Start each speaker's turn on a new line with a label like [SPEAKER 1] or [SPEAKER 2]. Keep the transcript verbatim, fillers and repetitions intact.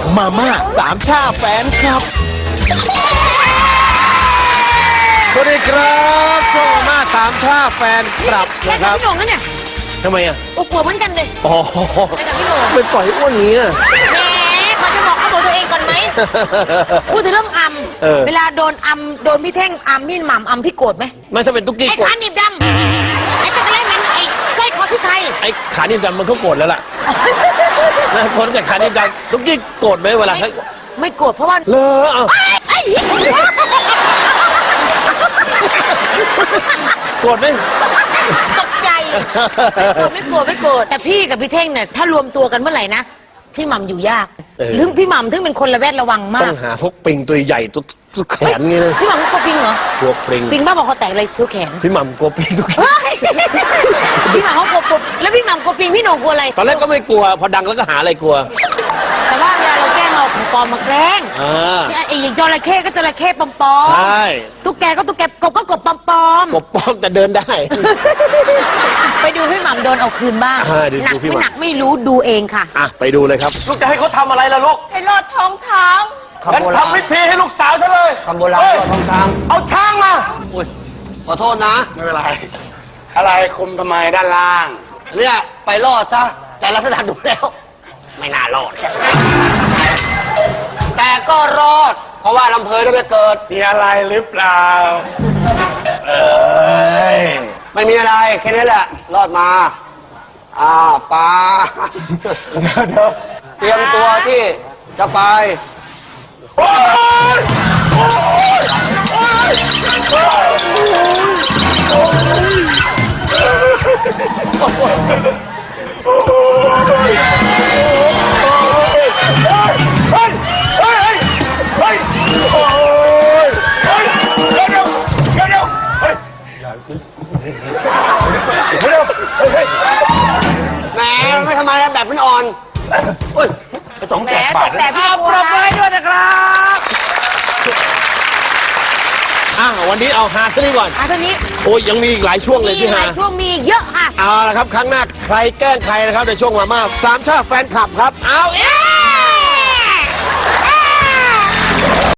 [SPEAKER 1] มาม่าสามชาแฟนครับ
[SPEAKER 2] สวัสดีครับช่วงมาม่าสามชาแฟนกลับ
[SPEAKER 3] แค่
[SPEAKER 2] นะค
[SPEAKER 3] กับ
[SPEAKER 2] รับ
[SPEAKER 3] พี่โหน่งนั่นเนี่ย
[SPEAKER 2] ทำไมอ่ะ
[SPEAKER 3] โอ้กลัวเหมือนกันเลย
[SPEAKER 2] อ๋อ
[SPEAKER 3] แค่กับพี่โหน่ง
[SPEAKER 2] ไม่ปล่อยอ้วนอย่างนี้อะ
[SPEAKER 3] แหมพอจะบอกเขาบอกตัวเองก่อนไหมพูดถึงเรื่องอัม
[SPEAKER 2] เออ
[SPEAKER 3] เวลาโดนอัมโดนพี่เท่งอัมพี่หม่ำอัมพี่โกรธไหม
[SPEAKER 2] ไม่ถ้าเป็นตุ๊กกี้
[SPEAKER 3] ไอ้
[SPEAKER 2] โกรธ
[SPEAKER 3] ขาหนีบดำไอ้จักรเล่นมันไอ้สร้อยคอพี่ไทย
[SPEAKER 2] ไอ้ขานิ่มดำมันก็โกรธแล้วล่ะนะคนจากขานิ่มดำตุ๊กกี้โกรธไหมเวลา
[SPEAKER 3] ไม่
[SPEAKER 2] ให้
[SPEAKER 3] ไม่โกรธเพราะว่า
[SPEAKER 2] เลอะเอา
[SPEAKER 3] ไอ้ไอ้
[SPEAKER 2] โกรธไหม
[SPEAKER 3] ตกใจไม่โกรธไม่โกรธไม่โกรธแต่พี่กับพี่เท่งเนี่ยถ้ารวมตัวกันเมื่อไหร่นะพี่หม่ำอยู่ยากหรือพี่หม่ำถึงเป็นคนระแวดระวังมา
[SPEAKER 2] ต้อก งหาพวกปิงตัวใหญ่ตัวตัวแขนงี้นะ
[SPEAKER 3] พี่หม่ำกลัวปิงเหรอก
[SPEAKER 2] ลัวปิง
[SPEAKER 3] ปิงบ้าบอกเขาแตกเลยตัวแขน
[SPEAKER 2] พี่หม่ำกลัวปิงทุก
[SPEAKER 3] เฮ้ยพี่หม่ำเขากลัวปุ๊บแล้วพี่หม่ำกลัวปิงพี่โหน่งกลัวอะไร
[SPEAKER 2] ตอนแรกก็ไม่กลัวพอดังแล้วก็หาอะไรกลัว
[SPEAKER 3] แต่ว่าเวลาเราแกล้งเราของปลอมมาแกล้ง
[SPEAKER 2] อ่า
[SPEAKER 3] เนี่ยไอ้อย่างจระเข้ก็จระเข้ปลอมๆ
[SPEAKER 2] ใช่
[SPEAKER 3] ตุ๊กแกก็ตุ๊กแกกบก็กบปลอม
[SPEAKER 2] กบป้องแต่เดินได้
[SPEAKER 3] ๆไปดูพี่หม่ำโดนเอาคืนบ้าง
[SPEAKER 2] อ่าเดี๋ยว
[SPEAKER 3] หนัก
[SPEAKER 2] ดูพี่ห
[SPEAKER 3] ไม่
[SPEAKER 2] ม่ำ
[SPEAKER 3] หนักไม่รู้ดูเองค่ะ
[SPEAKER 2] อ่ะไปดูเลยครับ
[SPEAKER 1] ลูกจะให้เขาทำอะไรล่ะลูก
[SPEAKER 3] ให้รอดท้องช้าง
[SPEAKER 1] งั้นทำพิธีให้ลูกสาวฉันเลย
[SPEAKER 4] คำโบราณว่าท้องช้าง
[SPEAKER 1] เอาช้างมา
[SPEAKER 4] อุ้ยขอโทษนะ
[SPEAKER 1] ไม่เป็นไร อะไรคุมทำไมด้านล่าง
[SPEAKER 4] เนี่ยไปรอดซะแต่ลักษณะดูแล้ว ไม่น่ารอด แต่ก็รอด เพราะว่าลำเพยได้ไปเกิด
[SPEAKER 1] มีอะไรหรือเปล่า เอ้ย
[SPEAKER 4] ไม่มีอะไร แค่นี้แหละ รอดมา อ่าปลา
[SPEAKER 1] เดี๋ยวเดี๋ยว
[SPEAKER 4] เตรียมตัวที่จะไป
[SPEAKER 1] โอ๊ยโอ๊ยโอ๊ยโอ๊ยเฮ้ยเฮ้ยเฮ้ยโอ๊ยเฮ้ยเดี๋ยวเดี๋ยวเดี๋ยวเดี๋ยวเฮ้ยเดี๋ยวเดี๋ยวเฮ้ย
[SPEAKER 4] แหมไม่ทำไมอะแบบมันอ่อนอุ้ย
[SPEAKER 1] สอง
[SPEAKER 3] แหม
[SPEAKER 1] แปด
[SPEAKER 3] ต
[SPEAKER 1] บาท
[SPEAKER 3] กแต่พี่
[SPEAKER 2] ป
[SPEAKER 3] บัว
[SPEAKER 2] รบมือให้ด้วยนะครับอ่ะวันนี้เอาฮาซะนี่ก่อน
[SPEAKER 3] อ่ะท่านี้
[SPEAKER 2] โอ้ยยังมีอีกหลายช่วงเลย
[SPEAKER 3] มี
[SPEAKER 2] ที่
[SPEAKER 3] ห
[SPEAKER 2] ฮา
[SPEAKER 3] ลายช่วงมีเยอะค่ะ
[SPEAKER 2] เอาละครับครั้งหน้าใครแกล้งใครนะครับในช่วงมาม่าสามชาติแฟนคลับครับ เอาเอ๊ะ